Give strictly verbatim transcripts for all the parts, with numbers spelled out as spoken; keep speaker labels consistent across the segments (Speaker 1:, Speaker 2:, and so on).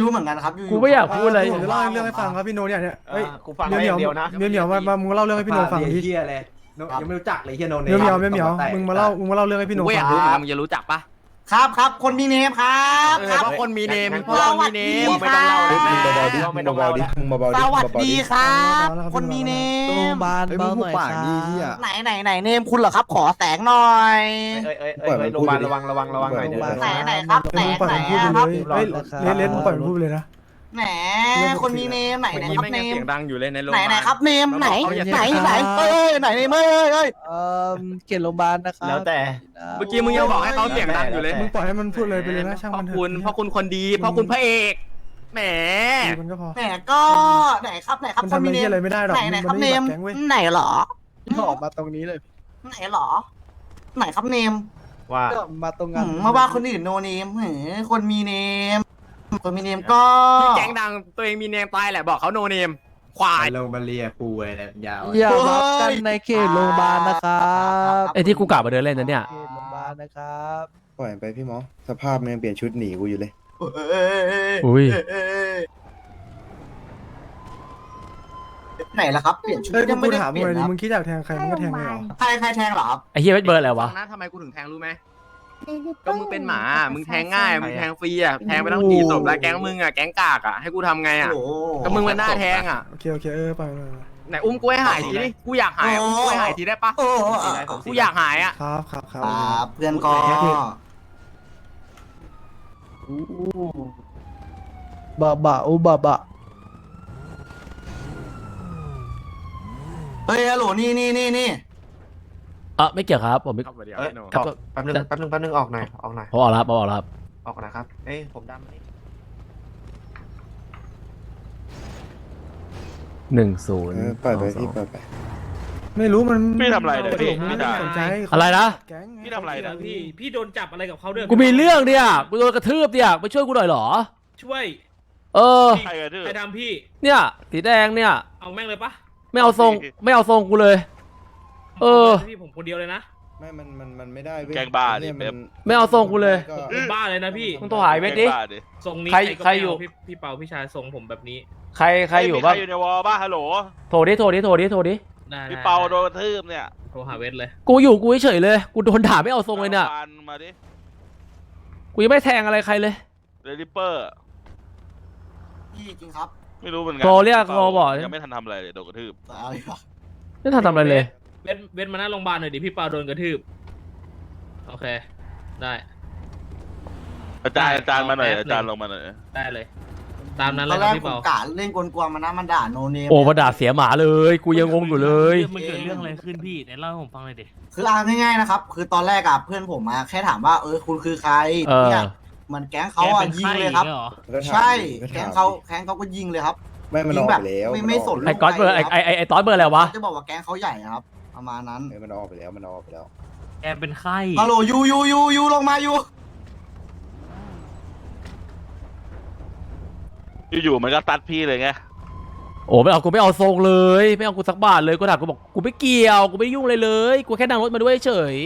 Speaker 1: รู้เหมือนกันครับอยู่
Speaker 2: กูไม่อยากพูดอะไร
Speaker 3: ผมจะเล่าเรื่องให้ฟังครับพี่โนเนี่ยเนี่ยเฮ้ย
Speaker 4: กูฟัง
Speaker 3: เหมียว
Speaker 4: เดียวนะ
Speaker 3: เหมียวเหมียวมามามึงเล่าเรื่องให้พี่โนฟังดิ
Speaker 5: เฮียเลยยังไม่รู้จักเลยเฮียโน
Speaker 3: เหมียวเหมียวเหมียวเหมียวมึงมาเล่ามึงมาเล่าเรื่องให้พี่โน
Speaker 6: กู
Speaker 3: ฟั
Speaker 6: อยาง กรู้เหมือนกันมึงจะรู้จักปะ
Speaker 1: ครับครับคนมีเนมครับ
Speaker 6: เออ
Speaker 1: ครับ
Speaker 6: เพราะคนมีเนม
Speaker 1: ส
Speaker 6: เพราะคนมีเนม
Speaker 1: วัสดีครับ
Speaker 4: มึงเบาๆดิมึงเบาๆดิมึงเบาๆดิ
Speaker 1: สวัสดีครับคนมีเน
Speaker 7: โรง
Speaker 1: ม
Speaker 7: พยาบาลเบาหน่อยครับ
Speaker 1: ไหนไหนไหนเนมคุณเหรอครับ ขอแสงหน่อย
Speaker 4: เอ้ยเอ้ยเอ้ยโรงพยาบาลระวังระวังระวังหน่อยเดี๋ยว
Speaker 1: ไหนไหนครับไหน
Speaker 3: มึงปล่อย
Speaker 1: ไหน
Speaker 3: มันพูด
Speaker 1: อะ
Speaker 3: ไป
Speaker 1: ครับ
Speaker 3: เลยเฮ้ยเลสเลสมึงปล่อยมันพูดไปเลยนะ
Speaker 1: แหมคนมีเนมไหนไหน
Speaker 6: เมื่อ
Speaker 1: ค
Speaker 6: กี้
Speaker 1: รับ
Speaker 6: ไม่
Speaker 1: เน
Speaker 6: งั้น
Speaker 1: ม
Speaker 6: เสียงดังอยู่เลยในโรงพ
Speaker 1: ไหน
Speaker 6: ยาบาล
Speaker 1: ไหนครับเนมไหนไหนไหนเอ้ยไหนเนมเอ้ยเอ้ย
Speaker 7: เอ่อเขตโรงพยาบาลนะครับ
Speaker 4: แล้วแต่
Speaker 6: เมื่อกี้มึงยังบอกให้เขาเสียงดังอยู่เลย
Speaker 3: มึงปล่อยให้มันพูดเลยไปเลยนะช่าง
Speaker 6: เพ
Speaker 3: มัน
Speaker 6: ราะ
Speaker 3: เถอะ
Speaker 6: คุณเพราะคุณคนดีเพราะคุณพระเอกแหม
Speaker 3: มันก็พอ
Speaker 1: แหมก็ไหนครับไหนครับ
Speaker 3: มัน
Speaker 1: คน
Speaker 3: ทำ
Speaker 1: มี
Speaker 3: อะไร
Speaker 1: เน
Speaker 3: เหี้ย
Speaker 1: ม
Speaker 3: อะไรไม่ได้หรอก
Speaker 1: ไหนไหนครับ
Speaker 3: มัน
Speaker 1: เน
Speaker 3: ไม่
Speaker 1: ม
Speaker 3: ได้แบบแก๊งเว้ย
Speaker 1: ไหนเหรอ
Speaker 7: ออกมาตรงนี้เลย
Speaker 1: ไหนเหรอ ไหนครับเนม
Speaker 4: ว่า
Speaker 7: ก็มาตรงงา
Speaker 1: หื
Speaker 7: น
Speaker 1: มมาว่าคนอื่นโนเนมหือคนมีเนมคนมีเนมก็
Speaker 6: พี่แก๊งดังตัวเองมีเนมตายแหละบอกเขาโนเนมควาย
Speaker 5: ลงมาเลียกูเลยยาว
Speaker 7: อย่ารับกันในเขตโรงพยาบาลนะครับ
Speaker 2: ไอ้ที่กูกลับมาเดินเล่นนะเนี่ย
Speaker 7: เขตโรงพยาบาลนะครับ
Speaker 8: ปล่อยไปพี่หมอสภาพมันยังเปลี่ยนชุดหนีกูอยู่เลย
Speaker 2: อุ้ย
Speaker 1: ไหนล่ะครับเปลี่ยนชุด
Speaker 3: เฮ้ย
Speaker 1: ยัง
Speaker 3: กู
Speaker 1: ไม่ได้
Speaker 3: ถาม
Speaker 1: เป
Speaker 3: มึ
Speaker 1: ลี่
Speaker 3: ง
Speaker 1: ยน
Speaker 3: เลย
Speaker 1: ครับ
Speaker 3: มึงคิดอยากแทงใครมึงก็แทงเลยเหรอ
Speaker 1: ใครใครแทงเหรอครับ
Speaker 2: ไอ้เฮียเวทเบิร์ดอะไรวะ
Speaker 6: ฟังนะทำไมกูถึงแทงรู้ไหมก็มึงเป็นหมามึงแทงง่ายมึงแทงฟรีอ่ะแทงไปต้องกี่ศพแล้วแก๊งมึงอ่ะแก๊งกากอ่ะให้กูทำไงอ่ะ
Speaker 1: โอ้โห
Speaker 6: ก็มึงมันหน้าแทงอ่ะ
Speaker 3: โอเคโอเคเออไปไปไป
Speaker 6: ไหนอุ้มกูให้หายทีดิกูอยากหายอุ้มกูให้หายทีได้ปะ
Speaker 1: โอ้โห
Speaker 6: กูอยากหายอ่ะ
Speaker 3: ครับครับครับ
Speaker 1: ครับเพื่อนก็
Speaker 7: บะบะอุบะบะ
Speaker 1: เฮ้ยฮัลโหลนี่นี่นี่นี่
Speaker 2: เออไม่เกี่ยวครับผมไม่
Speaker 6: ครับเดี๋ยว
Speaker 4: เอ้ย
Speaker 6: ไอ้หนู
Speaker 4: ออกแป๊บนึงแป๊บนึงแป๊บนึงออกหน่อยออกหน่อย
Speaker 2: ผมออกแล้วครับผมออกแล้วครับ
Speaker 4: ออกนะครับเอ้ยผมดำนี่
Speaker 2: หนึ่งศูนย์
Speaker 8: เออปล่อยไปพี่ปล่อยไป
Speaker 3: ไม่รู้มัน
Speaker 9: พี่ทำอะไรเนี่ยพี่
Speaker 3: ไม่
Speaker 9: พี่
Speaker 3: ได้
Speaker 9: ด่า
Speaker 3: สนใจ
Speaker 2: อะไรนะ
Speaker 3: แก๊ง
Speaker 9: พี่ทำอะไรนะ
Speaker 10: พี่ พี่โดนจับอะไรกับเขาด้วย
Speaker 2: กูมีเรื่องเนี่ยกูโดนกระทืบเนี่ยไปช่วยกูหน่อยเหรอ
Speaker 10: ช่วย
Speaker 2: เออ
Speaker 9: ใครกันดื้อ
Speaker 10: ใครทำพี่
Speaker 2: เนี่ยสีแดงเนี่ย
Speaker 10: เอาแม่งเลยปะ
Speaker 2: ไม่เอาทรงไม่เอาทรงกูเลย เออ
Speaker 10: พี่ผมคนเดียวเลยนะ
Speaker 8: ไม่มันมันมันไม่ได้เว้ย
Speaker 9: แกงบ้าดิ
Speaker 8: เนี่ยมัน
Speaker 2: ไม่เอาทรงกูเลย
Speaker 8: ก็
Speaker 10: ผมบ้าเลยนะพี่
Speaker 2: มึงโทรหาไอ้เวทดิ
Speaker 9: แกงบ้าดิ
Speaker 10: ทรงนี้
Speaker 2: ใคร
Speaker 10: ก็
Speaker 2: ใคร
Speaker 10: ไม่
Speaker 2: อยู่
Speaker 10: เาพี่พี่เปาพี่ชายทรงผมแบบนี้
Speaker 2: ใครใครอยู่บ้าง
Speaker 9: ใครอยู่ในวอลบ้าฮัลโหล
Speaker 2: โทรดิโทรดิโทรดิโทรดิ
Speaker 10: ได้
Speaker 9: พี่เปาโดนกระทืบเนี่ย
Speaker 10: โทรหาเวทเลย
Speaker 2: กูอยู่กูเฉยๆเลยกูโดนด่าไม่เอาทรงเลยเนี่ย
Speaker 9: อาฟันมาดิ
Speaker 2: กูยังไม่แทงอะไรใครเลย
Speaker 9: เดลิเปอร์
Speaker 1: พี่จริงครับ
Speaker 9: ไม่รู้เหมือนกั
Speaker 2: โทรเรียกโทรบอก
Speaker 9: ยังไม่ทันทำอะไรเลยโดนกระทืบ
Speaker 1: อะไรวะ
Speaker 2: ไม่ทันทำอะไรเลย
Speaker 10: เวทเวทมาหน้าโรงพยาบาลหน่อยดิพี่เปาโดนกระทืบโอเค ได้
Speaker 9: อาจารย์อาจารย์มาหน่อย
Speaker 10: แป๊บนึง
Speaker 9: อาจารย์ลงมาหน่อย
Speaker 10: ได้เลย ตามนั้น
Speaker 1: ต
Speaker 10: เล
Speaker 1: อย น
Speaker 10: ค
Speaker 1: แร
Speaker 10: รับ
Speaker 1: ก
Speaker 10: พี่
Speaker 1: ผม
Speaker 10: เปาก
Speaker 1: ะเล่นกวนๆมันนะมันด่าโนเนม
Speaker 2: โอ้มาด่าเสียหมาเลย กูยังงงอยู่เลย
Speaker 10: มันเกิดเรื่องอะไรขึ้นพี่ไหนเล่าให้ผมฟังหน่อยดิ
Speaker 1: คือเอาง่ายๆนะครับ คือตอนแรกอะเพื่อนผมมาแค่ถามว่าเออคุณคือใคร
Speaker 2: เออ
Speaker 1: เนี่ยเหมือนแก๊งเขาอะยิงเลยครับ
Speaker 8: ก็ถาม
Speaker 1: ใช่
Speaker 8: ก็
Speaker 1: แก๊
Speaker 8: ถาง ม
Speaker 1: เขาแก๊งเขาก็ยิงเลยครับ
Speaker 8: ไม่มันออกไปแล้ว
Speaker 1: ไม่ไม่สน
Speaker 2: ไอ้ก๊อตเบอร์ไอ้ไอ้ไอ้ไอ้ตอสเบอร์อะไรวะ
Speaker 1: จะบอกว่าแก๊งเขาใหญ่ครับ ประมาณนั้น
Speaker 8: เออมันออกไปแล้วมันออกไปแล้ว
Speaker 10: แกเป็นไข้
Speaker 1: ฮัลโหลยูยูยูยูลงมายู
Speaker 9: อยู่ๆมันก็ตัดพี่เลยไง
Speaker 2: โอ้ไม่เอากูไม่เอาทรงเลยไม่เอากูสักบาทเลยกูถามกูบอกกูไม่เกี่ยวกูไม่ยุ่งเลยเลยกูแค่นั่งรถมาด้วยเฉย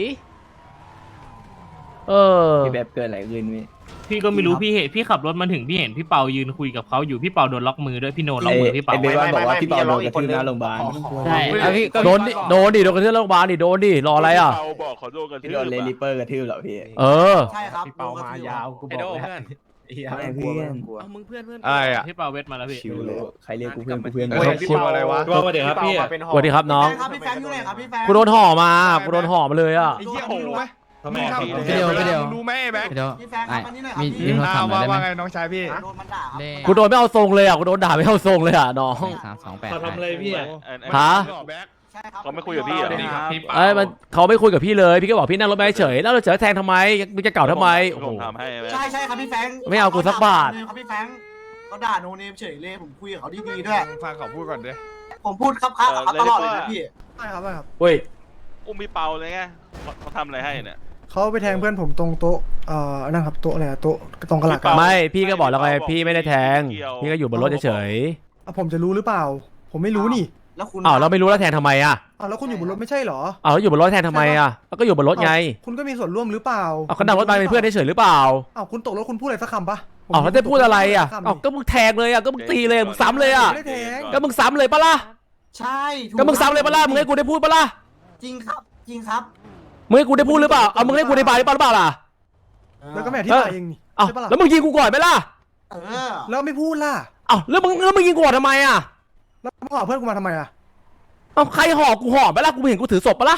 Speaker 2: เออ
Speaker 5: พี่แบบเกินอะไรขึ้นพี่
Speaker 10: พี่ก็ไม่รู้พี่เห็นพี่ขับรถมาถึงพี่เห็นพี่เปายืนคุยกับเขาอยู่พี่เปาโดนล็อกมือด้วยพี่โนล็อกมือพี่เปา
Speaker 5: ไอ้เบว่าบอกว่าพี่เปาโดนกระทืบหน้าโรงพยาบาล
Speaker 10: ใช่
Speaker 2: โดนดิโดนดิโดนกระทืบโรงพยาบาลดิโดนดิรออะไรอ่ะ
Speaker 9: พี่เปาบอกขอโดนกระทื
Speaker 5: พี่
Speaker 9: บ
Speaker 5: โดนเล
Speaker 9: อะ
Speaker 5: นิเปอร์กระทืบเหรอพี่
Speaker 2: เออ
Speaker 1: ใช่ครับ
Speaker 5: พี่เปามายาวกูบ
Speaker 6: ไอ
Speaker 5: อก
Speaker 6: โด
Speaker 5: แล้ว
Speaker 6: เพื่อน
Speaker 5: ไม่เพื่อน
Speaker 6: เอามึงเพื่อนเพื่อน
Speaker 9: อะไรอ่ะ
Speaker 10: พี่เปาเวทมาแล้วพี่
Speaker 8: ชิวเลย
Speaker 5: ใครเรียกกูเพื่อนกูเพื่อน
Speaker 9: เฮ้ยพี่เปาอะไรวะ
Speaker 4: ว่ามาเดี๋ยวครับพี่
Speaker 2: สวัสดีครับน้อง
Speaker 1: แฟครับพี่แฟนอยู่ไหนครับพี่แฟน
Speaker 2: กูโดนห่อมากูโดนห่อมาเลยอ่ะ
Speaker 9: ไอ้เหี้ยมึงรู้ไหม
Speaker 4: ทำไม
Speaker 9: มึง
Speaker 4: พี่
Speaker 9: ทำ
Speaker 7: พี่เดียวพี่เดียว
Speaker 9: มึงรู้ไหมไอ้แบ็ค
Speaker 7: พี่เดียว
Speaker 1: พี่แฟนครับอันนี้หน่อยครับ
Speaker 7: มี
Speaker 1: พี่
Speaker 7: มีโทรศัพท์หน่อยได้ไหม
Speaker 9: ว่าไงน้องชายพี่
Speaker 1: โดนมันด่าครับ
Speaker 2: กูโดนไม่เอาทรงเลยอ่ะกูโดนด่าไม่เอาทรงเลยอ่ะน้อง
Speaker 7: สามสองแปด
Speaker 10: เขาทำอะไรพี่อ่ะ
Speaker 2: ฮะ
Speaker 9: แบ็ค
Speaker 1: ใช่ครับ
Speaker 9: เขาไม่คุยกับพี่เหรอ
Speaker 10: พี่เปา
Speaker 2: เอ้ยมันเขาไม่คุยกับพี่เลยพี่ก็บอกพี่นั่งรถมาเฉยแล้วเราเจอแทงทำไมมึงจะเก่าทำไมโอ้โห
Speaker 9: ผมทำให้แบ็ค
Speaker 1: ใช่ใช่ครับพี่แฟง
Speaker 2: ไม่เอากูสักบาท
Speaker 1: ครับพี่แฟงเขาด่าโนเนมเฉยเลยผมคุยกับเขาดีๆด้วย
Speaker 9: ฟังเขาพูดก่อนดิ
Speaker 1: ผมพูดครับครับกับเขาตลอดเลยนะพี่
Speaker 3: ใช่ครับใช่ครับ
Speaker 2: เฮ้ย
Speaker 9: อุ้มพี่เปาเลยไงเขาเขาทำอะไรให้เนี่ย
Speaker 3: เขาไปแทงเพื่อนผมตรงโต๊ะเอ่อนั่นครับโต๊ะอะไรอะโต๊ะตรงกระหลักอะ
Speaker 2: ไม่พี่ก็บอกแล้วไงพี่ไม่ได้แทงพี่ก็อยู่บนรถเฉย
Speaker 3: อ่ะผมจะรู้หรือเปล่า ผมไม่รู้นี่
Speaker 1: แล้วคุณ
Speaker 2: ๆอ้าวเราไม่รู้แล้วแทงทำไมอ่ะ
Speaker 3: อ้าวแล้วคุณอยู่บนรถไม่ใช่เหรอ
Speaker 2: อ้าวแล้วอยู่บนรถแทงทำไมอ่ะแล้วก็อยู่บนรถไง
Speaker 3: อ้าวคุณก็มีส่วนร่วมหรือเปล่า
Speaker 2: เอาเขานั่งรถมาเป็นเพื่อนเฉยๆหรือเปล่า
Speaker 3: อ้าวคุณตกรถคุณพูดอะไรสักคำปะผม
Speaker 2: อ๋อแล้วได้พูดอะไรอ่ะอ๋อก็มึงแทงเลยอ่ะก็มึงตีเลยมึงซ้ำเลยอ่ะ
Speaker 3: ไม่ได้แทง
Speaker 2: ก็มึงซ้ำเลยปะล่ะ
Speaker 1: ใช่ถู
Speaker 2: ก็มึงซ้ำเลยปะล่ะมึงให้กูได้พูดปะล่ะ
Speaker 1: จริงครับ จริงครับ
Speaker 2: มึงให้กูได้พูดหรือเปล่าเอามึงให้กูได้บายหรือเปล่าหรือเปล่าล่ะ
Speaker 3: แล้วก็ไม่อธิบายเองนี่
Speaker 2: เอ้า
Speaker 3: ใช่ปะล่ะ
Speaker 2: แล้วมึงยิงกูก่อนไหมล่ะ
Speaker 1: เออ
Speaker 3: แล้วไม่พูดล่ะ
Speaker 2: เอ้าแล้วมึงแล้วมึงยิงกูก่อนทำไมอ่ะ
Speaker 3: แล้วมึงเอาเพื่อนกูมาทำไมอ่ะ
Speaker 2: เอ้าใครห่อกูห่อไหมล่ะกูเห็นกูถือศพปะล่ะ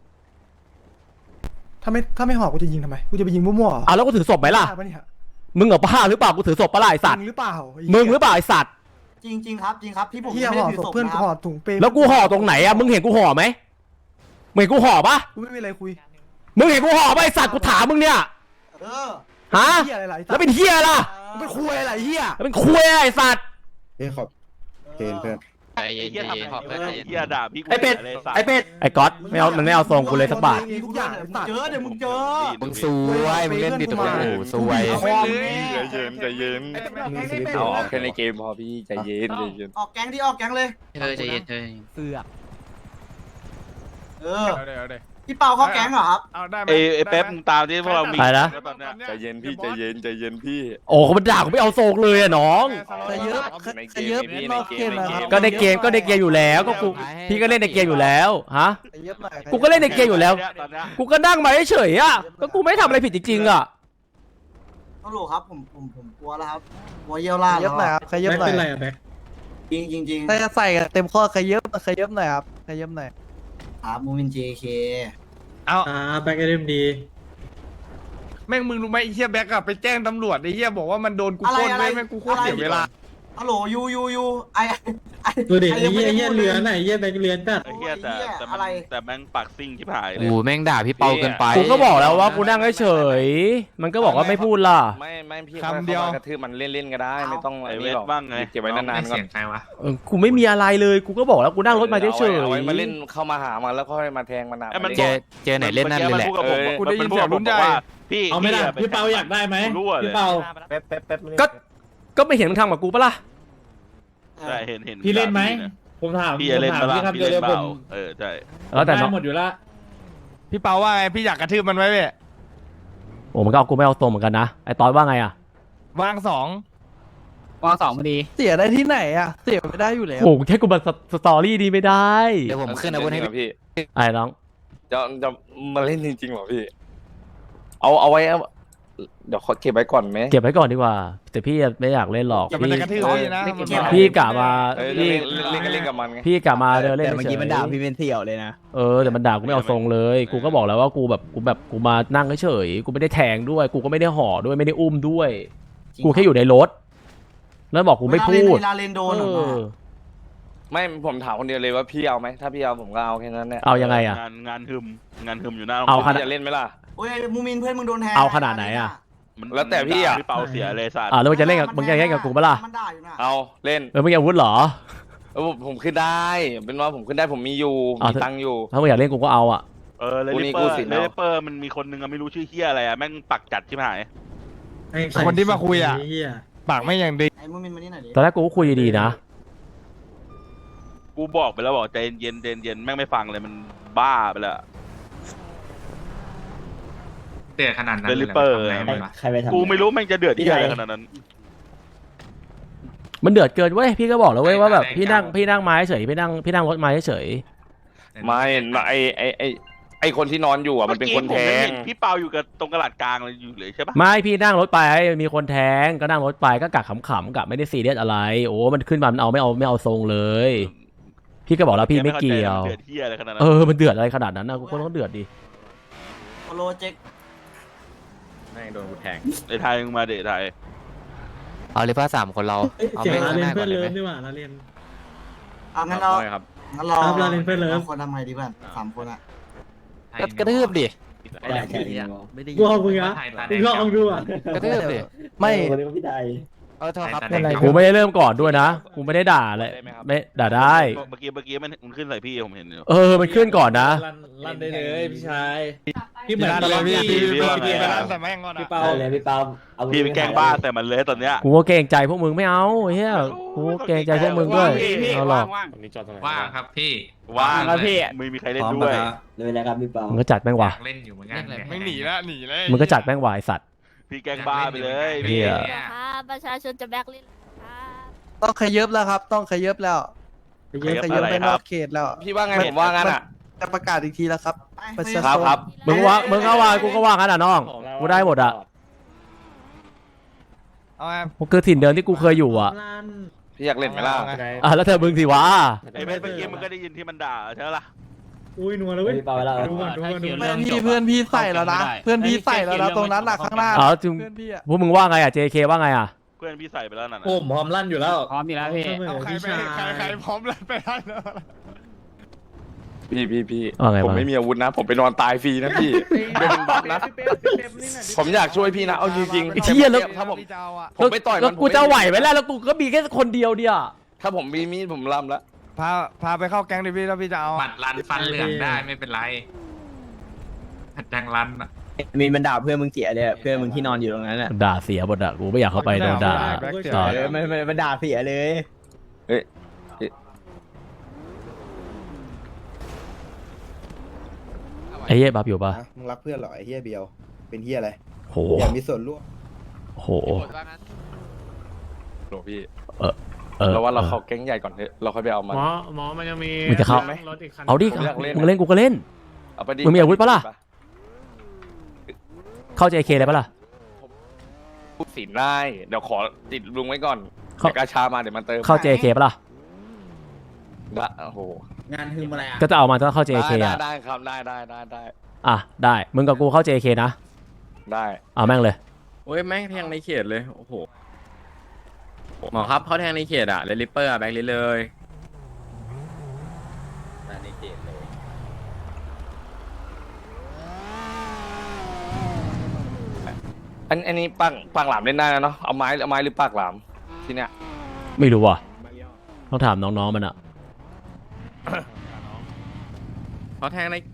Speaker 3: ถ้าไม่ถ้าไม่หอกกูจะยิงทำไมกูจะไปยิงมั่วๆเหรอ
Speaker 2: อ้าวแล้วกูถือศพไหมล่ะ
Speaker 3: บ้าปเนี่ย
Speaker 2: มึงเหรอบ้าหรือเปล่ากูถือศพปะล่ะไอสัตว์
Speaker 3: จริงหรือเปล่าไ
Speaker 2: มึงหรือเปล่าไอสัตว์
Speaker 1: จริงจริงครับจริงครับพี่ผม
Speaker 3: เฮีย
Speaker 1: ไม่
Speaker 3: ห่
Speaker 1: ได้
Speaker 3: อ
Speaker 1: ถือ
Speaker 3: ศพ
Speaker 1: ศพ
Speaker 3: เพื่อน
Speaker 1: นะค
Speaker 3: ห่อ
Speaker 1: รับ
Speaker 3: ถุงเปรย์
Speaker 2: แล้วกูห่อตรงไหนอ่ะมึงเห็นกูห่อไหมมึงเห็นกูห่อปะ
Speaker 3: กูไม่มีอะไรคุย
Speaker 2: มึงเห็นกูห่อปะไอสัตว์กูถามมึงเนี่ย
Speaker 1: เออ
Speaker 2: ฮะ
Speaker 3: เฮียอะไรล่ะไอ้สั
Speaker 2: แล้
Speaker 3: ต
Speaker 2: ว
Speaker 3: ว์
Speaker 2: เป็นเฮียล่ะ
Speaker 3: มึงเป็นคุยอะไรเฮีย
Speaker 2: แล้วเป็นคุยอะไรไอสัตว์
Speaker 8: เฮ้ยขอบเกณฑ์เพื่อน
Speaker 9: ไอ้เหี้ยทำไอ้เหี้ยด่าพี่กู
Speaker 2: ไอเป็ด
Speaker 9: เลยสัตว์
Speaker 2: ไอเป็ดไอก๊อตไม่เอามันไม่เอาทรงกูเลยสักบาท
Speaker 3: มีทุกอย่างไอ้สัตว์
Speaker 1: เจอเดี๋ยวมึงเจอ
Speaker 5: มึงซวยมึงเล่นดิตัวโอ้โหซวย
Speaker 1: คอม
Speaker 9: ใจเย็นใจเย็น
Speaker 8: เอา
Speaker 9: เอาแค่ในเกมพอพี่ใจเย็นใจเย็น
Speaker 1: ออกแก๊งดิออกแก๊งเลย
Speaker 6: เธอใจเย็นเธอ
Speaker 5: เสือก
Speaker 1: เออ
Speaker 9: เอาเลยเอาเลย
Speaker 1: พี่เปาเข้าแก๊งเหรอครับ
Speaker 9: เอาได้ไหม
Speaker 11: เอ้ไอ้เป๊ปมึงตามที่พวกเรามี
Speaker 2: ไปนะ
Speaker 11: ใจเย็นพี่ใจเย็นใจเย็นพี่
Speaker 2: โอ้เขามันด่ากูไม่เอาทรงเลยอะน้อง
Speaker 7: ขยับขยับนอกเกมนะครับ
Speaker 2: ก็ในเกมก็ในเกมอยู่แล้วก็กูพี่ก็เล่นในเกมอยู่แล้วฮะ
Speaker 7: ขยับหน่อย
Speaker 2: กูก็เล่นในเกมอยู่แล้ว
Speaker 11: ตอนเนี้ย
Speaker 2: กูก็นั่งมาเฉยๆอ่ะก็กูไม่ทำอะไรผิดจริงๆอ่ะ
Speaker 1: ฮัลโหลครับผมผมผมกลัวแล้วครับกลัวเยี่ยวลา
Speaker 7: ข
Speaker 1: ด
Speaker 7: ยั
Speaker 1: แล้
Speaker 7: บ
Speaker 1: ว
Speaker 7: หน่อยครับขยับหน่อย
Speaker 1: จริงจริงจริง
Speaker 7: ถ้าจะใส่กันเต็มข้อขยับขยับหน่อยครับขยับหน่อย
Speaker 1: ครับมูมินเจเค
Speaker 9: เอาอ่าแบ็กเอ็มดีแม่งมึงรู้ไหมไอ้เหี้ยแบ็กอะไปแจ้งตำรวจไอ้เหี้ยบอกว่ามันโดนกู
Speaker 1: อะไร
Speaker 9: ปล้น
Speaker 1: อะไร
Speaker 9: เว้ยแม่งกูโคตรเสียเวลา
Speaker 1: ฮัลโหลยูยูยูไอไอ
Speaker 3: ดูดิ
Speaker 1: ไอ้เหี้ยเหี้ยเรือไหน
Speaker 3: เฮียแบงเรียนจัด
Speaker 11: ไอ้เหี้ยแต่แต่มัน
Speaker 1: อะไร
Speaker 11: แต่แม่งปากซิ่งที่ผายเลย
Speaker 5: โอ้แม่งด่าพี่เปาเกินไป
Speaker 2: กูก็บอกแล้วว่ากูนั่งเฉยๆมันก็บอกว่าไม่พูดล่ะ
Speaker 11: ไม่ไม่พี่
Speaker 9: คำเดียว
Speaker 11: กระทืบมันเล่นๆก็ได้ไม่ต้อง
Speaker 1: เอา
Speaker 11: ไอ้เวทบ้างไงเก็บไว้นานๆก่อน
Speaker 2: เออกูไม่มีอะไรเลยกูก็บอกแล้วกูนั่งรถมาเฉย
Speaker 11: เอาไว้มาเล่น
Speaker 2: ๆ
Speaker 11: เข้ามาหามันแล้วค่อยมาแทงมันอ่ะ
Speaker 9: ไอ้มัน
Speaker 5: เจอเจอไหนเล่นนั่นเลยแหละ
Speaker 11: เออ
Speaker 9: กูได้ยินเสียงรุ่นใหญ่
Speaker 11: พี่
Speaker 3: เอาไหม่ล่ะ
Speaker 11: พี่
Speaker 3: พี่เปาอยากได้ไหม
Speaker 11: รู้อะเลย
Speaker 3: พี่เปา
Speaker 4: แป๊บแป๊บแป๊บ
Speaker 2: ก็ก็ไม่เห็นมึงทำกับกูปะล่ะ
Speaker 11: ใช่เห็นเห็น
Speaker 3: พี่เล่นไหม
Speaker 11: ด่า
Speaker 3: ผมถาม
Speaker 11: พี่จะเล่น
Speaker 3: ผม
Speaker 11: เป
Speaker 3: ถาม
Speaker 11: ล่า
Speaker 3: พี่คำ
Speaker 11: พี่
Speaker 3: เดียว
Speaker 11: เล่
Speaker 3: เลย
Speaker 11: น
Speaker 3: ผ
Speaker 11: เปล่าม เออใช่
Speaker 2: แล้วแต่น้อง
Speaker 3: หมดอยู่ละ
Speaker 9: พี่เปาว่าไงพี่อยากกระทืบมันไว้เว้ย
Speaker 2: โอ้มันก็เอากูไม่เอาทรงเหมือนกันนะไอ้ตอนว่าไงอ่ะ
Speaker 9: วางสอง
Speaker 5: วางสองพอดี
Speaker 7: เสียได้ที่ไหนอ่ะเสียไม่ได้อยู่แล้ว
Speaker 2: โอ้โหแค่กูมาสตอรี่ดีไม่ได้
Speaker 5: เดี๋ยวผมขึ้นอาวุธให้
Speaker 11: พี่
Speaker 2: ไอ้น้อง
Speaker 11: จะจะมาเล่นจริงๆเหรอพี่ เอาเอาไว้เอาเดี๋ยวขอเก็บไว้ก่อนไหม
Speaker 2: เก็บไว้ก่อนดีกว่า แต่พี่ไม่อยากเล่นหรอก
Speaker 9: แต่มัน
Speaker 2: พี่
Speaker 9: จะกระทืบพี่นะมันบอก
Speaker 2: พี่กะมา
Speaker 11: เออ
Speaker 2: พี่
Speaker 11: เล่นเล่นเล่นก็เล่นกับมันไง
Speaker 2: พี่กะมาเดินเล่น
Speaker 5: แต่เมื่อ
Speaker 2: เฉ
Speaker 5: กี้
Speaker 2: ย
Speaker 5: มันด่าพี่เป็นเสี่ยวเลยนะ
Speaker 2: เออแต่มันด่ากูไม่เอาทรงเลย กูก็บอกแล้วว่ากูแบบกูแบบกูมานั่งเฉยๆกูไม่ได้แทงด้วย กูก็ไม่ได้ห่อด้วยไม่ได้อุ้มด้วย กูแค่อยู่ในรถ แล้วบอกกูไม่พูด
Speaker 1: เวลาเล่นโดน
Speaker 2: เอ
Speaker 1: ออกมา
Speaker 2: อ
Speaker 11: ไม่ผมถามคนเดียวเลยว่าพี่เอาไหมถ้าพี่เอาผมก็เอาแค่นั้นแหละ
Speaker 2: เอายังไงอะ
Speaker 11: งานงานหึมงานหึมอยู่หน้า
Speaker 2: เอาขนาด
Speaker 11: จะเล่นไหมล่ะ
Speaker 1: โอ้ยมูมินเพื่อนมึงโดนแทง
Speaker 2: เอาขนาดไหนอะ
Speaker 11: มันแล้วแต่พี่อ่ะพี่เปาเสียเลยสัตว์
Speaker 2: อ่าแล้วมึงจะเล่นกับมึงจะเล่นกับกูปะล่ะ
Speaker 1: มันด่าอยู่นะ
Speaker 11: เอาเล่น
Speaker 2: เออมึงอยากอาวุธเหรอ
Speaker 11: เออผมผมขึ้นได้ เป็นว่าผมขึ้นได้ผมมีอยู่
Speaker 2: เอา
Speaker 11: มีตังค์อยู่
Speaker 2: ถ้ามึงอยากเล่นกูก็เอาอ่ะ
Speaker 11: เออเล
Speaker 9: กู
Speaker 11: ลิ
Speaker 9: นี่
Speaker 11: เปอ
Speaker 9: กู
Speaker 11: ร์
Speaker 9: สิ
Speaker 11: เลลิเปอร์มันมีคนนึงอะไม่รู้ชื่อเฮียอะไรอะแม่งปักจัดที่หาย
Speaker 9: คนที่มาคุยอ่ะปากไม่อย่างดี
Speaker 1: ไอ้มูมินมานี่หน่อยดิ
Speaker 2: ตอนแรกกูก็คุยดีๆนะ
Speaker 11: กูบอกไปแล้วบอกใจเย็นเย็นเย็นแม่งไม่ฟังเลยมันบ้าไปแล้ว
Speaker 10: เดือดขนาดนั้น
Speaker 11: เลลิเปอร์
Speaker 5: ใครไปทำ
Speaker 11: กูไม่รู้แม่งจะเดือดที่อะไรขนาดนั้น
Speaker 2: มันเดือดเกินเว้ยพี่ก็บอกแล้วเว้ยว่าแบบพี่นั่งพี่นั่งไม้เฉยพี่นั่งพี่นั่งรถไม้เฉย
Speaker 11: ไม่ไอไอไอไอคนที่นอนอยู่อ่ะมันเป็นคนแทงพี่เปาอยู่กับตรงกระดาษกลางเลยอยู่เลยใช่ปะ
Speaker 2: ไม่พี่นั่งรถไปมีคนแทงก็นั่งรถไปก็กะขำๆกะไม่ได้ซีเรียสอะไร โอ้มันขึ้นมามันเอาไม่เอาไม่เอาทรงเลย พี่ก็บอกแล้วพี่ไม่เกี่ยว
Speaker 11: เดือดที่อะไรขนาดนั้น
Speaker 2: เออมันเดือดอะไรขนาดนั้นนะกูก็ต้องเดือดดิ
Speaker 1: โปโลเจ็ก
Speaker 11: แม่งโดนกูแทงไอไทยมึงมาเดทไทย
Speaker 5: เอาเลยป้าสามคนเราเอาไม่ข้างหน้าก่อนเลยไหม
Speaker 1: เอางั้นเรา
Speaker 11: ครับ
Speaker 1: งั้นเราเราคนทำไงดีเพื่อนสามคนอะ
Speaker 5: ก็กระทืบดิ
Speaker 7: ไม่ได้
Speaker 3: กูเอามึงอะมึงลองดูอ่ะ
Speaker 5: กระทืบดิ
Speaker 7: ไม่
Speaker 5: เออโทษครับ
Speaker 7: เป็นไร
Speaker 2: กูไม่ได้เริ่มก่อนด้วยนะกูไม่ได้ด่าเลยไม่ด่าได้
Speaker 11: เมื่อกี้เมื่อกี้มันมันขึ้นใส่พี่ผมเห็นอยู่
Speaker 2: เออมันขึ้นก่อนนะ
Speaker 3: ลั่นได้เลยพี่ชายพี่เหมื
Speaker 9: พี่
Speaker 3: อน
Speaker 9: นั่นเลยพี่พี่
Speaker 11: พี่
Speaker 9: พี่
Speaker 11: ว่า
Speaker 9: พี่
Speaker 11: ไง
Speaker 9: ไปร้านแต่แม่งก่อน
Speaker 3: พี่
Speaker 9: อ่ะ
Speaker 3: เปา
Speaker 5: เลยพี่เปา
Speaker 11: พี่ไปแกล้งบ้าแต่มันเลยตอนเนี้ย
Speaker 2: กูก็เกรงใจพวกมึงไม่เอาเฮียกูก็เกรงใจพวกมึงด้วยเอาหรอก
Speaker 10: ว่างครับพี่
Speaker 11: ว่าง
Speaker 5: ครับพี่
Speaker 11: ไม่มีใครเล่นด้วย
Speaker 5: เลยนะครับพี่เปา
Speaker 2: มึงก็จัดแม่งว่ะ
Speaker 10: เล่นอยู่เหมือนกัน
Speaker 9: ไม่หนีละหนีเลย
Speaker 2: มึงก็จัดแม่งว่ะไอ้สัตว์
Speaker 11: พี่แกล้งบ้าไปเลย
Speaker 2: เหี้ย
Speaker 12: ครับประชาชนจะแบกลินครับ
Speaker 7: ต้องขยับแล้วครับ ต้องขยับแล้วขยับขยับไปนอกเขตแล้ว
Speaker 11: พี่ว่าไงผมว่างั้นอ่ะ
Speaker 7: จะประกาศอีกทีแล้วครับประชา
Speaker 11: ครั
Speaker 7: ช
Speaker 11: บ
Speaker 7: น
Speaker 11: ครับ
Speaker 2: มึงว่ามึงก็ว่ากูก็ว่างั้นอ่ะน้องกูได้หมดอ่ะ
Speaker 9: เอาไง
Speaker 2: มันคือถิ่นเดิมที่กูเคยอยู่อ่ะ
Speaker 11: พี่อยากเล่นไหมล่ะ
Speaker 2: อ่ะแล้วเธอมึงสิวะ
Speaker 11: ไอ้เมื่อกี้มันก็ได้ยินที่มันด่าใช่ไหมล่ะ
Speaker 3: อุ้ยนัวแล้วเว้ย
Speaker 10: เปล่าแล้ว
Speaker 3: ดูก่อนดูก่อนดูก่อน
Speaker 7: เพื่อนพี่เพื่อนพี่ใส่แล้วนะเพื่อนพี่ใส่แล้วนะตรงนั้นน่ะข้างหน้า
Speaker 2: เอาจึง
Speaker 7: เพื่อนพี่อะ
Speaker 2: พวกมึงว่าไงอ่ะ เจ เค ว่าไงอ่ะ
Speaker 11: เพื่อนพี่ใส่ไปแล้วนั่นน่ะ
Speaker 3: ผมพร้อมลั่นอยู่แล้ว
Speaker 10: พร้อมอยู่แล้วพี่
Speaker 9: เอาใครไปใครใครพร้อมแล้วไปได้แล้ว
Speaker 11: พี่พี่พี่
Speaker 2: ว่าไง
Speaker 11: ผม
Speaker 2: ว่าไง
Speaker 11: ไม่มีอาวุธนะ ผมไปนอนตายฟรีนะพี่เป็นบัฟนะ ผมอยากช่วยพี่นะเอาจริง
Speaker 2: ไอ้เหี้ยแล้ว
Speaker 11: ถ้าผม
Speaker 9: พี่เจ้าอ่ะ
Speaker 11: ผมไปต่อย
Speaker 2: แล้
Speaker 11: มั
Speaker 2: วน กูจะไหวไหมล่ะแล้วกูก็มีแค่คนเดียวเดียว
Speaker 11: ถ้าผมมีมีดผมลำแล้ว
Speaker 9: พาพาไปเข้าแก๊งดิพี่แล้วพี่จะเอา
Speaker 10: บัตรรันฟันเหลืองได้ไม่เป็นไรหัดแดงรันอ่ะ
Speaker 4: มีบรรดาเพื่อนมึงเสียเลยเพื่อนมึงที่นอนอยู่ตรงนั้นอ่ะ
Speaker 2: ด่าเสียหมดอ่ะกูไม่อยากเข้าไปโดนด่า ต่อ
Speaker 4: ไม่ไม่บรรดาเสียเลย
Speaker 2: ไอ้เหี้ยบับอยู่ปะ
Speaker 8: มึงรักเพื่อนเหรอไอ้เฮียเบียว เป็นเฮียอะไร
Speaker 2: โห
Speaker 8: อยากมีส่วนร่วม
Speaker 2: โห
Speaker 11: โหลพี่
Speaker 2: เออเออ
Speaker 11: เราว่าเราเข้าแก๊งใหญ่ก่อนเถอะเราค่อยไปเอามัน
Speaker 10: หมอหมอมันยังมี
Speaker 2: มึงจะเข้า
Speaker 10: รถอีกคัน
Speaker 2: เอาดิ
Speaker 11: ผมอยากเล่น
Speaker 2: มึงเล่นกูก็เล่น
Speaker 11: เอาไปดิ
Speaker 2: มึงมีอาวุธปะล่ะ เข้า เจ เค เลยปะล่ะ
Speaker 11: พูดสินได้ เดี๋ยวขอติดลุงไว้ก่อน
Speaker 2: เข้า
Speaker 11: เดี๋ยวกาชามาเดี๋ยวมันเติม
Speaker 2: เข้า เจ เค ปะล่ะ
Speaker 11: ละโอ้โห
Speaker 3: งานฮึมอะไรอ่ะ
Speaker 2: ก็จะเอามาต้องเข้า เจ เค
Speaker 11: ได้
Speaker 2: อ่ะ
Speaker 11: ได้ครับได้ได้ได้ได้
Speaker 2: อ่ะได้มึงกับกูเข้า เจ เค นะ
Speaker 11: ได้
Speaker 2: เอาแม่งเลย
Speaker 6: โอ้ยแม่งแทงในเขตเลยโอ้โหหมอครับเขาแทงในเขตอะเลลิปเปอร์อะแบ็คลิสเลย
Speaker 11: อันอันนี้ปากปากหลามเล่นได้นะเนาะเอาไม้เอาไม้หรือปากหลามที่เนี้ย
Speaker 2: ไม่รู้ว่ะต้องถามน้องๆมันอ่ะ
Speaker 6: เขาแทงใน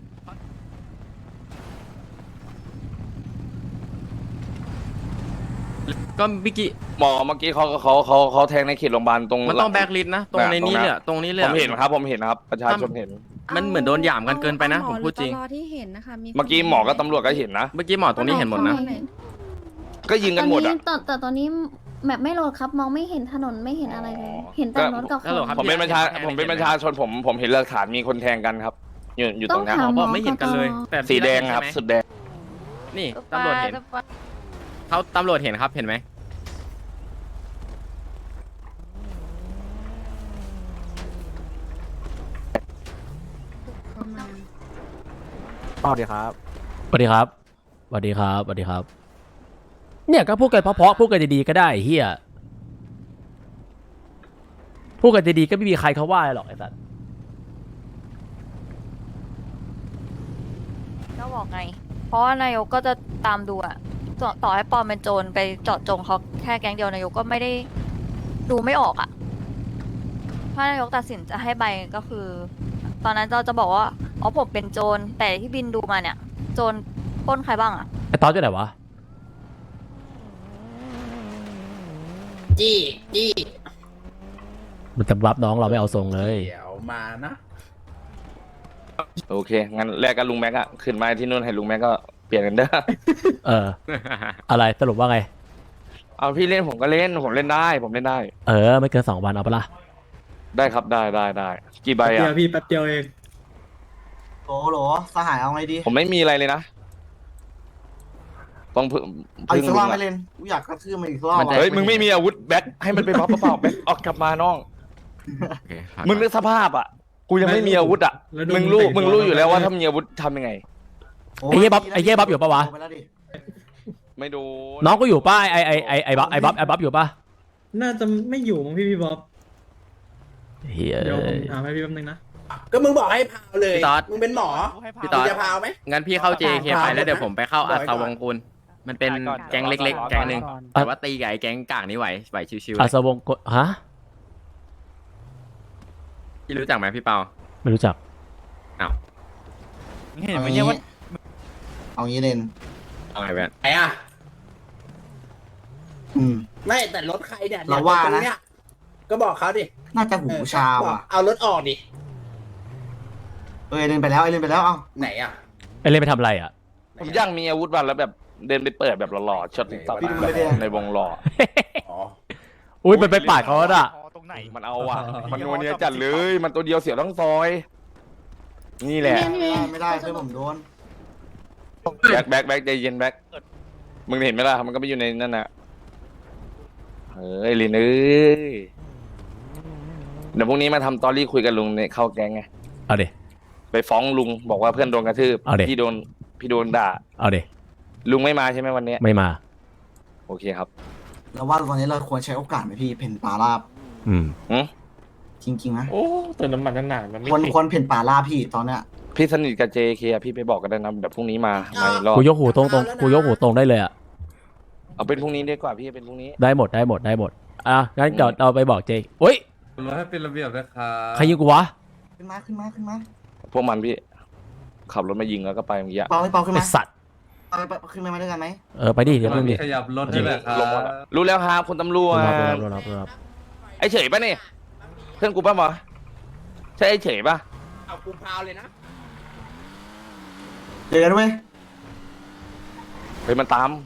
Speaker 6: ก็เมื่อกี้
Speaker 11: หมอเมื่อกี้เขาเขาเขาเขาแทงในเขตโรงพยาบาลตรง
Speaker 6: มันต้องแบ็คลิสนะตรงในนี้เลยอะตรงนี้เลย
Speaker 11: ผ
Speaker 6: อะ
Speaker 11: มเห็นครับผมเห็นครับ ประชาชนเห็น
Speaker 6: มันเหมือนโดนหยามกันเกินไปนะผมพูดจริง
Speaker 12: ที่เห็นนะคะมี
Speaker 11: เมื่อกี้หมอกับตำรวจก็เห็นนะ
Speaker 6: เมื่อกี้หมอตรงนี้เห็นหมดนะ
Speaker 11: ก็ยิงกันหมดอ่ะ
Speaker 12: แต่แต่ตอนนี้แบบไม่โหลดครับมองไม่เห็นถนนไม่เห็นอะไรเลย เห็นแต่รถกับค
Speaker 6: ฮัลโหล
Speaker 12: น
Speaker 6: ครับ
Speaker 11: ผมเป็นประชาผมเป็นประชาชนผมผมเห็นหลักฐานมีคนแทงกันครับ อยู่อยู่ตรงเนี้ย
Speaker 12: ต้องถาม
Speaker 6: บอกไม่เห็นกันเลยแต่
Speaker 11: สีแดงครับ
Speaker 6: ใช่ไหม
Speaker 11: สุดแดง
Speaker 6: นี่ตำรวจเห็นเขาตำรวจเห็นครับเห็นไหม
Speaker 7: สวัสดีครับ
Speaker 2: สวัสดีครับสวัสดีครับสวัสดีครับ เนี่ยก็พูดกันเพราะๆพูดกันดีๆก็ได้ไอ้เฮียพูดกันดีๆก็ไม่มีใครเขาว่าหรอกไอ้สัส
Speaker 12: ก็บอกไง เพราะว่านายกก็จะตามดูอะต่อต่อให้ปอมเป็นโจรไปเจาะจงเขาแค่แก๊งเดียวนายกก็ไม่ได้ดูไม่ออกอะถ้านายกตัดสินจะให้ใบก็คือ ตอนนั้นเราจะบอกว่าอ๋อผมเป็นโจรแต่ที่บินดูมาเนี่ย โจรปล้นใครบ้างอะ
Speaker 2: ไอ้ตอนอยู่ไหนวะ
Speaker 3: จี้จี้
Speaker 2: มันจะรับน้องเราไม่เอาทรงเลย
Speaker 3: เดี๋ยวมานะ
Speaker 11: โอเคงั้นแลกกับลุงแม็กอะขึ้นมาที่นู่นให้ลุงแม็กก็เปลี่ยนกันเด้อ
Speaker 2: เออ อะไรสรุปว่าไง
Speaker 11: เอาพี่เล่นผมก็เล่นผมเล่นได้ ผมเล่นได้
Speaker 2: เออ ไม่เกินสองวันเอาปะล่ะ
Speaker 11: ได้ครับได้ได้ได้กี่ใบ
Speaker 3: เดี
Speaker 11: อะ
Speaker 3: ยวพี่แป๊บเดียวเอง
Speaker 1: โหลโหลสหายเอาไงดี
Speaker 11: ผมไม่มีอะไรเลยนะต้องพึ่ง
Speaker 1: เอาอีกสักรอบ
Speaker 11: ลุง
Speaker 1: ไหม่
Speaker 11: อะ
Speaker 1: เล่นกูอยากกระทืบมันอีกสักรอบ
Speaker 6: มันจะ
Speaker 1: อะ
Speaker 11: เฮ้ยมึงไม่มีอาวุธแบ็คให้มันไปบัฟเปล่าแบ็คออกกลับมาน้อง
Speaker 6: โอเคครับ
Speaker 11: มึงนึกสภาพอ่ะ กูยังไม่มีอาวุธอ่ะ มึงรู้ มึงรู้อยู่แล้วว่าถ้ามีอาวุธทำยังไง
Speaker 1: โ
Speaker 2: ไอ้เหี้ยบ๊อบไอ้เหี้ยบ๊อบอยู่ปะวะ
Speaker 1: ไปแล้วดิ
Speaker 11: ไม่ดู
Speaker 2: น้องก็อยู่ป้าไอ้ไอ้ไอ้ไอ้บ๊อบไอ้บ๊อบไอ้บ๊อบอยู่ปะ
Speaker 3: น่าจะไม่อยู่มั้งพี่พี่บ๊อบ
Speaker 2: เฮีย
Speaker 3: เดี๋ยวผมถามให้พี่แป๊บนึงนะ
Speaker 4: ก็มึงบอกให้พาวเลย
Speaker 6: พี่ต๊อด
Speaker 4: มึงเป็นหมอ
Speaker 6: พี่ต๊อด
Speaker 4: จะพาวไหม
Speaker 6: งั้นพี่เข้า เจ เค ไปแล้วเดี๋ยวผมไปเข้า
Speaker 4: บอ
Speaker 6: อั
Speaker 4: กไว้
Speaker 6: ศ
Speaker 4: ก่อน
Speaker 6: วงกุลมันเป็นแก๊งเล็กๆ แก๊งหนึ่งแต่ว่าตีกับไอ้แก๊งกากนี่ไหวไหวชิวๆ
Speaker 2: อา
Speaker 6: เลย
Speaker 2: สวงกฮะ
Speaker 6: พี่รู้จักไหมพี่เปา
Speaker 2: ไม่รู้จัก
Speaker 1: เห็นไหมเนี่ยว่าเอางี้เล่น
Speaker 6: เอาไงแบน
Speaker 4: ไหนอ่ะ
Speaker 1: อืม
Speaker 4: ไม่แต่รถใครเนี่ย
Speaker 1: เราว่านะ
Speaker 4: ตรงเยก็บอกเขาดิ
Speaker 1: น่าจะหูชา
Speaker 4: บอก
Speaker 1: ว่ะ
Speaker 4: เอารถออกดิ
Speaker 1: เอ้ยเล่นไปแล้วไอ้เล่นไปแล้วเอ้า
Speaker 4: ไหนอ่ะ
Speaker 2: ไอ้เล่นไปทำอะไรอ่ะ
Speaker 11: ผมอยากมีอาวุธบ้างแล้วแบบเดินไปเปิดแบบหล่อๆช็อตติ๊กต็อกในวงหล่อ
Speaker 2: อุ้ยมันไปปาดเขาแล้วอ่ะ
Speaker 11: มันเอาอ่ะ มันนัวเนียจัดเลย มันตัวเดียวเสียทั้งซอย นี่แหละ
Speaker 1: ไม่ได้เพื่อนผมโดน
Speaker 11: แบ็คแบ็คแบ็คใจเย็นแบ็คมึงเห็นไหมล่ะ มันก็ไม่อยู่ในนั่นน่ะเฮ้ยลินเอ้ยเดี๋ยวพรุ่งนี้มาทำตอรี่คุยกับลุงในเข้าแก๊งไง
Speaker 2: เอาดิ
Speaker 11: ไปฟ้องลุงบอกว่าเพื่อนโดนกระทืบ
Speaker 2: เอาดิ
Speaker 11: พี่โดนพี่โดนด่า
Speaker 2: เอาดิ
Speaker 11: ลุงไม่มาใช่ไหมวันเนี้ย
Speaker 2: ไม่มา
Speaker 11: โอเคครับ
Speaker 1: แล้วว่าตอนนี้เราควรใช้โอกาสไหมพี่เพ่นป่าราบ
Speaker 2: อืม
Speaker 11: อืม
Speaker 1: จริงๆนะ
Speaker 9: โอ้เติมน้ำมันนานๆมันไม่
Speaker 1: ควร
Speaker 9: ติด
Speaker 1: ควรเพ่นป่าราบพี่ตอนเนี้ย
Speaker 11: พี่สนิทกับ เจ เค อะพี่ไปบอกกันได้นะเดี๋ยวพรุ่งนี้มาในรอบ
Speaker 2: กูยกหูตรงตรงกูยกหูตรงได้เลยอ่ะ
Speaker 11: เอาเป็นพรุ่งนี้ดีกว่าพี่เป็นพรุ่งนี้
Speaker 2: ได้หมดได้หมดได้หมด อ่ะงั้นเดี๋ยวเราไปบอกเจเฮ้ย
Speaker 9: รถให้เป็นระเบียบนะครับ
Speaker 2: ใครยิงกูวะ
Speaker 1: ขึ้นมาขึ้นมาขึ้นมา
Speaker 11: พวกมันพี่ขับรถมายิงแล้วก็ไปเมื่อกี้
Speaker 1: เปาให้เปาขึ้น
Speaker 2: ไอ
Speaker 1: มา
Speaker 2: สัตว์
Speaker 1: เปาไปขึ้นมาด้วยกันไหม
Speaker 2: เออไปดิเดี๋ยวเพิ่งดิ
Speaker 9: ขยับรถให้หน่อยครับ
Speaker 11: ลงหมดอะรู้แล้วครับคุณตำรวจ
Speaker 2: รับรับรับรับ
Speaker 11: ไอ้เฉยปะเนี่ยเพื่อนกูป่ะหมอใช่ไอ้เฉยปะ
Speaker 4: เอากูพาวเลยนะ
Speaker 1: เจอกันด้วย
Speaker 11: เฮ้ยมันตาม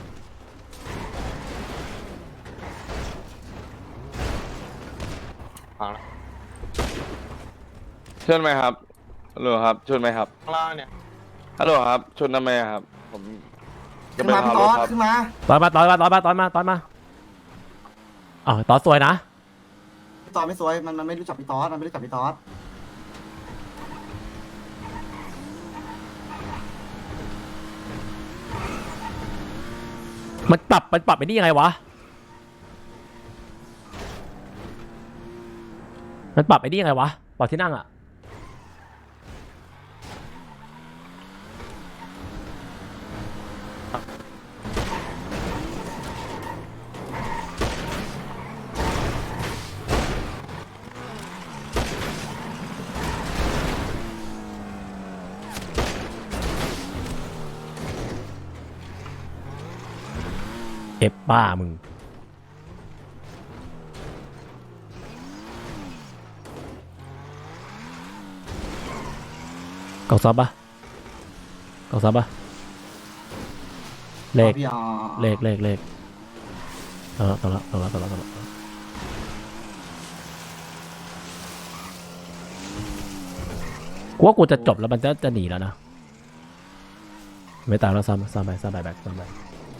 Speaker 11: ชนไหมครับฮัลโหลครับชนไหมครับล่างเนี่ยฮัลโหลครับชนทำไมอะครับผมจะ
Speaker 1: ขึ้น
Speaker 11: ไป
Speaker 1: มาพี่
Speaker 11: พา
Speaker 1: ต
Speaker 11: ร
Speaker 1: อ
Speaker 11: ถ
Speaker 1: ส
Speaker 11: ครับ
Speaker 1: ขึ้นมา
Speaker 2: ตอนมาตอนมาตอนมาตอนมาตอนมาอ้าวตอนสวยนะ
Speaker 1: พี่ตอสไม่สวยมันมันไม่รู้จักพี่ตอสมันไม่รู้จักพี่ตอส
Speaker 2: มันปรับมันปรับไปนี่ยังไงวะ มันปรับไปนี่ยังไงวะปรับที่นั่งอ่ะ เอฟบ้ามึง กล่องซับปะกล่องซับปะเลข
Speaker 1: พี่อ๋อ
Speaker 2: เลขเลขเลขเอาละเอาละเอาละเอาละเอาละกูว่ากูจะจบแล้วมันจะจะหนีแล้วนะ ไม่ตามแล้วซ้ำซ้ำไปซ้ำไปแบกซ้ำไป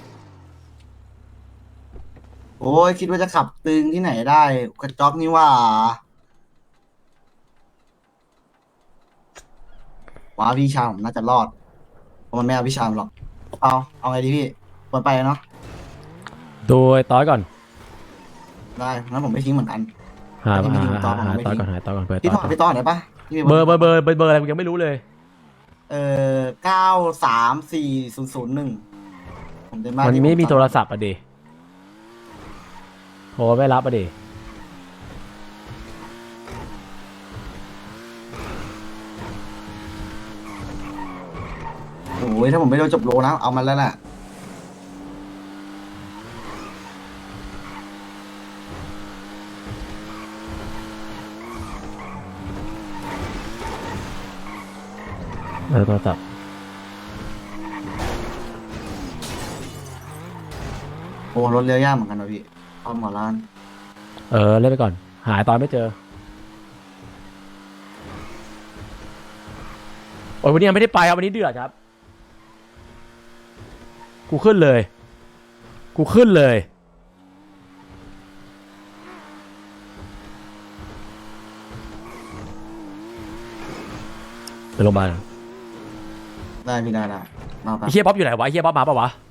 Speaker 1: โอ้ยคิดว่าจะขับตึงที่ไหนได้กระจอกนี่ว่าว้าพี่ชายผมน่าจะรอดเพราะมันไม่เอาพี่ชายผมหรอกเอาเอาไงดีพี่ควรไปเนาะ
Speaker 2: ดูไอ้ต้อยก่อน
Speaker 1: ได้งั้นผมไม่ทิ้งเหมือนกัน
Speaker 2: หา
Speaker 1: ที่มัน
Speaker 2: หา
Speaker 1: ยิงต่อ
Speaker 2: หา
Speaker 1: ผมไม่
Speaker 2: ต้อย
Speaker 1: ทิ้ง
Speaker 2: ก่อนหาต้อยก่อนเพื่อ
Speaker 1: พี่
Speaker 2: ต้
Speaker 1: ถ
Speaker 2: อ
Speaker 1: อย ด
Speaker 2: ก่อน
Speaker 1: พี่ต่อไหนปะพี่มี
Speaker 2: เบอร์เบอร์เบอร์เบอร์เบอร์อะไรกูยังไม่รู้เลย
Speaker 1: เออเก้าสามสี่ศูนย์ศูนย์หนึ่งผมเดินมา
Speaker 2: มัน
Speaker 1: ที่
Speaker 2: ไม่มี
Speaker 1: ผ
Speaker 2: โทรศัพท์อ่ะดิโทรไม่รับอ่ะดิ
Speaker 1: โอ้ยถ้าผมไม่โดนจบโลนะเอามันแล้วแหละ
Speaker 2: เออโทรศัพท์
Speaker 1: โอ้รถเลี้ยวยากเหมือนกันนะพี่เอาหมอร้าน
Speaker 2: เออเล่นไปก่อน หาตอนไม่เจอโอ้ยวันนี้ยังไม่ได้ไปครับวันนี้เดือดครับ กูขึ้นเลย กูขึ้นเลยไปโรงพยาบาล
Speaker 1: ได้พี่ได้ได้มาไป
Speaker 2: ไอ้เฮียบ๊อบอยู่ไหนวะไอ้เฮียบ๊อบมาปะวะ